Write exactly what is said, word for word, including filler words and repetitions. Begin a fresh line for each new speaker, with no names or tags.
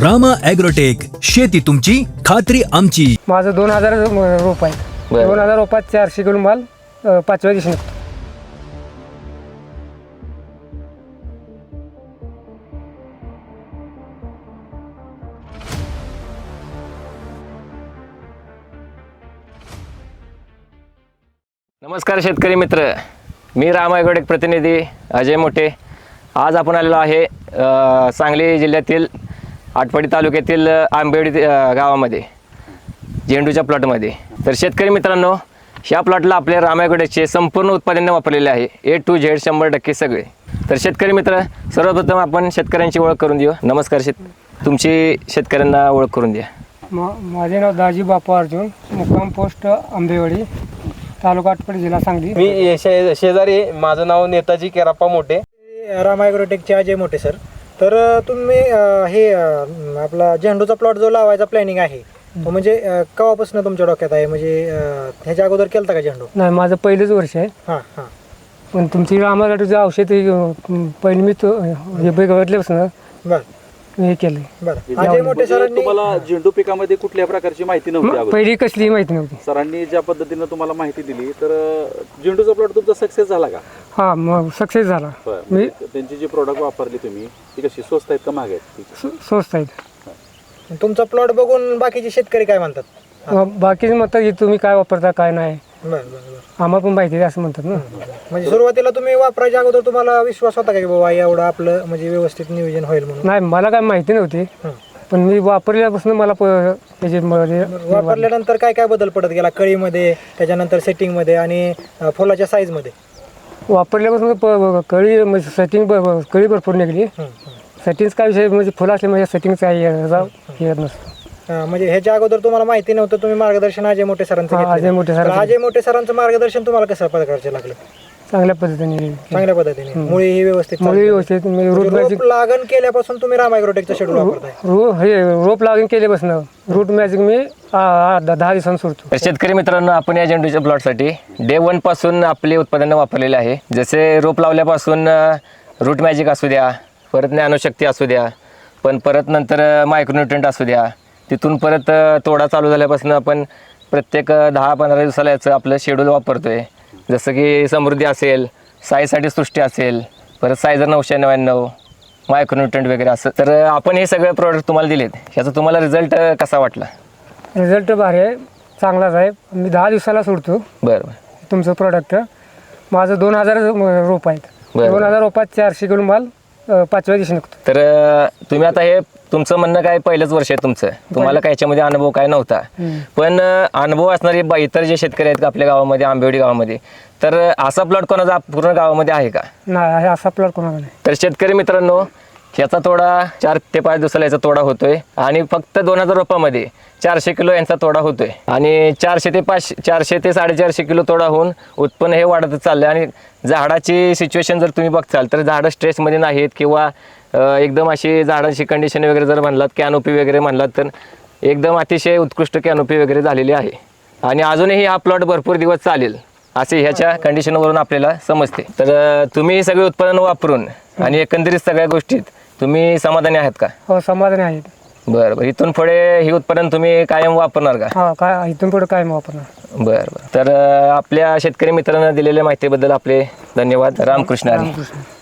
Rama agrotech, शेती तुमची खात्री आमची.
माझं दोन हजार रोप आहे.
बरं.
दोन हजार रोपात चारशे किलो माल अ, पाचव्या दिवशी निघतो.
नमस्कार शेतकरी मित्र, मी रामा ॲग्रोटेक प्रतिनिधी अजय मोठे. आज आपण आलेलो आहे अ, सांगली जिल्ह्यातील आटपाडी तालुक्यातील आंबेवडी अ, गावामध्ये झेंडूच्या प्लॉटमध्ये. तर शेतकरी मित्रांनो, ह्या प्लॉटला आपल्या रामा ॲग्रोटेकचे संपूर्ण उत्पादने वापरलेले आहे, ए टू झेड शंभर टक्के सगळे. तर शेतकरी मित्र, सर्वप्रथम आपण शेतकऱ्यांची ओळख करून देऊ. नमस्कार शेत तुमची शेतकऱ्यांना ओळख करून द्या.
मा माझे नाव दाजी बापू अर्जुन, मुक्काम पोस्ट आंबेवाडी, तालुका आटपाडी, जिल्हा सांगली.
मी शे शेजारी, माझं नाव नेताजी केराप्पा मोठे, रामा ॲग्रोटेकचे अजय मोठे सर. तर अ, तुम्ही अ, हे अ, आपला झेंडूचा प्लॉट जो लावायचा प्लॅनिंग आहे तो म्हणजे अ, केव्हापासून तुमच्या डोक्यात आहे? म्हणजे अ, ह्याच्या अगोदर केलता का झेंडू?
नाही, माझं पहिलेच वर्ष आहे.
हां हां
पण तुमची रामागाठीचं औषध हे, अ, पहिलं मी तो हे बघितल्यापासून
बरं
हे केलं.
बरं अजय मोठे सरांनी
तुम्हाला झेंडू पिकामध्ये कुठल्या प्रकारची माहिती नव्हती अगोदर?
पहिली कसली माहिती नव्हती.
सरांनी ज्या पद्धतीनं तुम्हाला माहिती दिली, तर अ, झेंडूचा प्लॉट तुमचा सक्सेस झाला का?
हां, मग सक्सेस झाला.
बरं.
मी
म्हणजे त्यांची जी प्रोडक्ट वापरली तुम्ही, ती कशी स्वस्त आहेत का महाग आहेत ती?
स्व- स्वस्त आहेत.
तुमचा प्लॉट बघून बाकीचे शेतकरी काय म्हणतात?
मग बाकीचे म्हणतात की तुम्ही काय वापरता काय नाही,
बरं बरं बरं
आम्हाला पण माहिती आहे असं म्हणतात ना.
म्हणजे सुरुवातीला तुम्ही वापरायच्या अगोदर तुम्हाला विश्वास होता का की बाबा एवढं आपलं म्हणजे व्यवस्थित नियोजन होईल म्हणून?
नाही, मला काय माहिती नव्हती,
हं.
पण मी वापरल्यापासून मला प- त्याचे मध्ये
वापरल्यानंतर काय काय बदल पडत गेला कळीमध्ये, त्याच्यानंतर सेटिंगमध्ये आणि अ, फुलाच्या साईजमध्ये?
वापरल्यापासून प- कळी म्हणजे सेटिंग कळी भरपूर निघली.
हं, हं.
सेटिंग्स काय विषय म्हणजे फुलं असले म्हणजे सेटिंग्स काही याचा हे येत नसतं.
अं, म्हणजे ह्याच्या अगोदर तुम्हाला माहिती नव्हतं, तुम्ही मार्गदर्शन अजय मोठे सरांचं
हा,
घेतलेलं.
अजय मोठे
तर
सरांचं.
अजय मोठे सरांचं मार्गदर्शन तुम्हाला कसं प्रकारचे लागलं?
चांगल्या पद्धतीने
चांगल्या पद्धतीने मुळे ही व्यवस्थित
मुळी
चालली.
व्यवस्थित म्हणजे रूट
रोप
मॅजिक
लागण केल्यापासून तुम्ही रामा ॲग्रोटेकचं शेड्यूल वापरताय?
रो हे रोप लागून केल्यापासून रूट मॅजिक मी आ- आ- दहा दहा दिवसांनी सोडतो.
तर शेतकरी मित्रांनो, आपण या झेंडूच्या प्लॉटसाठी डे वन पासून आपली उत्पादनं वापरलेले आहे. जसे रोप लावल्यापासून रूट मॅजिक असू द्या, परत ज्ञानशक्ती असू द्या, पण परत नंतर मायक्रोन्युट्रंट असू द्या, तिथून परत अ, तोडा चालू झाल्यापासून आपण प्रत्येक अ, दहा पंधरा दिवसाला याचं आपलं शेड्यूल वापरतोय. जसं की समृद्धी असेल, साईसाठी सृष्टी असेल, परत सायझर नऊशे नव्याण्णव, मायक्रोन्युट्रंट वगैरे असं. तर अ, आपण हे सगळे प्रोडक्ट तुम्हाला दिलेत. ह्याचा तुम्हाला रिझल्ट कसा वाटला?
रिझल्ट भारी आहे, चांगलाच आहे. मी दहा दिवसाला सोडतो
बरं बरं
तुमचं प्रोडक्ट. माझं दोन हजार रोप आहेत.
बरं.
दोन हजार रोपात चारशे किलो माल अ, पाचव्या दिवशी निघतो.
तर अ, तुम्ही आता हे तुमचं म्हणणं काय पहिलंच वर्ष आहे तुमचं, तुम्हाला काय याच्यामध्ये अनुभव काय नव्हता, पण अ, अनुभव असणारे बा- इतर जे शेतकरी आहेत का आपल्या गावामध्ये, आंबेवडी गावामध्ये, तर अ, असा प्लॉट कोणाचा पूर्ण गावामध्ये आहे का?
नाही, हे असा प्लॉट कोणाला नाही.
तर शेतकरी मित्रांनो, ह्याचा तोडा चार ते पाच दिवसाला याचा तोडा होतोय आणि फक्त दोन हजार रुपयामध्ये चारशे किलो यांचा तोडा होतोय आणि चारशे ते पाचशे चारशे ते साडेचारशे किलो तोडा होऊन उत्पन्न हे वाढतच चाललं. आणि झाडाची सिच्युएशन जर तुम्ही बघताल तर झाडं स्ट्रेसमध्ये नाहीत किंवा अ, एकदम अशी झाडांची कंडिशन वगैरे जर म्हणलात, कॅनोपी वगैरे म्हणलात, तर एकदम अतिशय उत्कृष्ट कॅनोपी वगैरे झालेली आहे आणि अजूनही हा प्लॉट भरपूर दिवस चालेल असे ह्याच्या कंडिशनवरून आपल्याला समजते. तर अ, तुम्ही हे सगळे उत्पादन वापरून आणि एकंदरीत सगळ्या गोष्टीत तुम्ही समाधानी आहात का?
हो, समाधानी आहेत.
बरं बरं. इथून पुढे हे उत्पादन तुम्ही कायम वापरणार का?
हा, काय इथून पुढे काय मग वापरणार.
बरं बरं. तर अ, आपल्या शेतकरी मित्रांना दिलेल्या माहितीबद्दल आपले धन्यवाद. रामकृष्ण हरी.
रामकृष्ण.